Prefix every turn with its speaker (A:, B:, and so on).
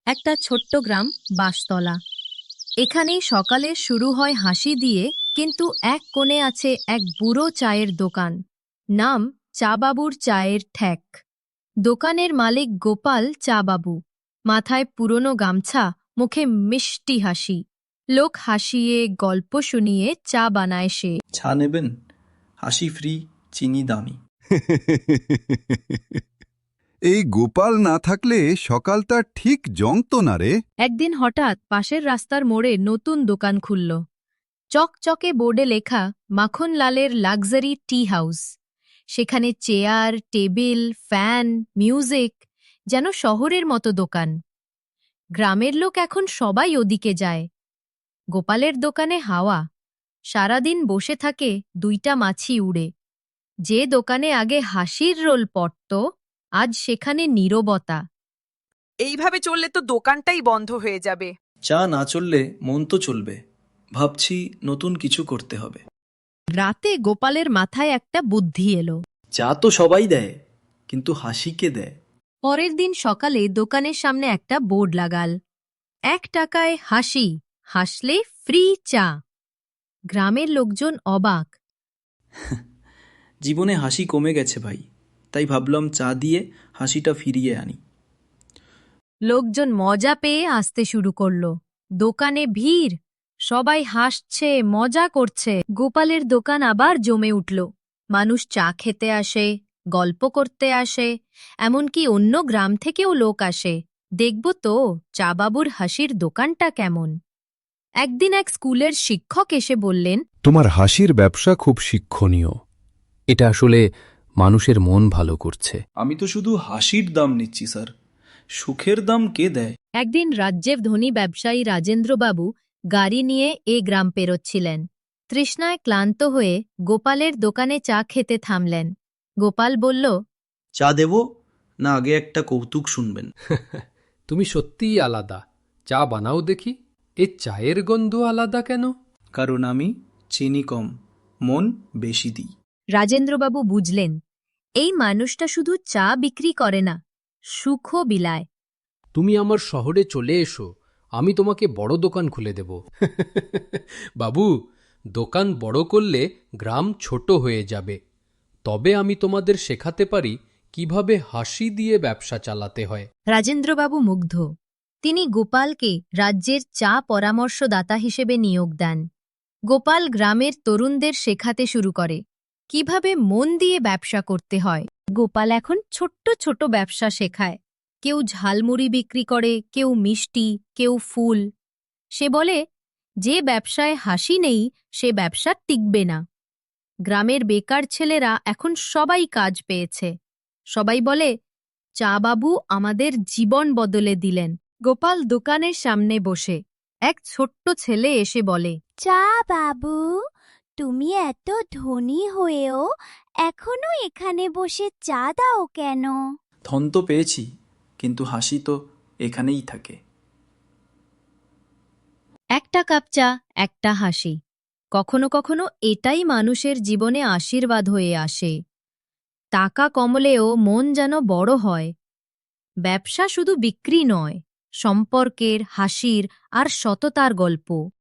A: একটা ছোট্ট গ্রাম বাঁশতলা। এখানেই সকালে শুরু হয় হাসি দিয়ে, কিন্তু এক কোণে আছে এক বুড়ো চায়ের দোকান। নাম চা বাবুর চায়ের ঠেক। দোকানের মালিক গোপাল চা বাবু। মাথায় পুরনো গামছা, মুখে মিষ্টি হাসি। লোক হাসিয়ে গল্প শুনিয়ে চা বানায় সে।
B: চা নেবেন? হাসি ফ্রি, চিনি দামি।
C: এই গোপাল না থাকলে সকালটা ঠিক জমতো না রে।
A: একদিন হঠাৎ পাশের রাস্তার মোড়ে নতুন দোকান খুলল। চকচকে বোর্ডে লেখা মাখনলালের লাক্সারি টি হাউস। সেখানে চেয়ার, টেবিল, ফ্যান, মিউজিক, যেন শহরের মতো দোকান। গ্রামের লোক এখন সবাই ওদিকে যায়। গোপালের দোকানে হাওয়া। সারাদিন বসে থাকে দুইটা মাছি উড়ে। যে দোকানে আগে হাসির রোল পড়ত, আজ সেখানে নীরবতা।
D: এইভাবে চললে তো দোকানটাই বন্ধ হয়ে যাবে।
B: চা না চললে মন তো চলবে। ভাবছি নতুন কিছু করতে হবে।
A: রাতে গোপালের মাথায় একটা বুদ্ধি এলো।
B: চা তো সবাই দেয়, কিন্তু হাসি কে দেয়?
A: পরের দিন সকালে দোকানের সামনে একটা বোর্ড লাগাল, 1 টাকায় হাসি, হাসলে ফ্রি চা। গ্রামের লোকজন অবাক।
B: জীবনে হাসি কমে গেছে ভাই, তাই ভাবলাম চা দিয়ে হাসিটা ফিরিয়ে আনি।
A: লোকজন মজা পেয়ে আসতে শুরু করলো। দোকানে ভিড়, সবাই হাসছে, মজা করছে। গোপালের দোকান আবার জমে উঠল। মানুষ চা খেতে আসে, গল্প করতে আসে, এমনকি অন্য গ্রাম থেকেও লোক আসে। দেখব তো চা বাবুর হাসির দোকানটা কেমন। একদিন এক স্কুলের শিক্ষক এসে বললেন,
E: তোমার হাসির ব্যবসা খুব শিক্ষণীয়। এটা আসলে মানুষের মন ভালো করছে।
B: আমি তো শুধু হাসির দাম নিচ্ছি স্যার, সুখের দাম কে দেয়?
A: একদিন রাজ্যের ধনী ব্যবসায়ী রাজেন্দ্রবাবু গাড়ি নিয়ে এ গ্রাম পেরোচ্ছিলেন। তৃষ্ণায় ক্লান্ত হয়ে গোপালের দোকানে চা খেতে থামলেন। গোপাল বলল,
B: চা দেব না আগে একটা কৌতুক শুনবেন?
F: তুমি সত্যিই আলাদা। চা বানাও দেখি। এ চায়ের গন্ধ আলাদা কেন?
B: কারণ আমি চিনি কম, মন বেশি দিই।
A: রাজেন্দ্রবাবু বুঝলেন, এই মানুষটা শুধু চা বিক্রি করে না, সুখও বিলায়।
F: তুমি আমার শহরে চলে এসো, আমি তোমাকে বড় দোকান খুলে দেব। বাবু, দোকান বড় করলে গ্রাম ছোট হয়ে যাবে। তবে আমি তোমাদের শেখাতে পারি কিভাবে হাসি দিয়ে ব্যবসা চালাতে হয়।
A: রাজেন্দ্রবাবু মুগ্ধ। তিনি গোপালকে রাজ্যের চা পরামর্শদাতা হিসেবে নিয়োগ দেন। গোপাল গ্রামের তরুণদের শেখাতে শুরু করে কিভাবে মন দিয়ে ব্যবসা করতে হয়। গোপাল এখন ছোট্ট ছোট ব্যবসা শেখায়। কেউ ঝালমুড়ি বিক্রি করে, কেউ মিষ্টি, কেউ ফুল। সে বলে, যে ব্যবসায় হাসি নেই সে ব্যবসা টিকবে না। গ্রামের বেকার ছেলেরা এখন সবাই কাজ পেয়েছে। সবাই বলে, চা বাবু আমাদের জীবন বদলে দিলেন। গোপাল দোকানের সামনে বসে। এক ছোট্ট ছেলে এসে বলে,
G: চা বাবু, তুমি এত ধনী হয়েও এখনো এখানে বসে চা দাও কেন?
B: ধন তো পেয়েছি, কিন্তু হাসি তো এখানেই থাকে।
A: একটা কাপ চা, একটা হাসি। কখনো কখনো এটাই মানুষের জীবনে আশীর্বাদ হয়ে আসে। টাকা কমলেও মন যেন বড় হয়। ব্যবসা শুধু বিক্রি নয়, সম্পর্কের, হাসির আর সততার গল্প।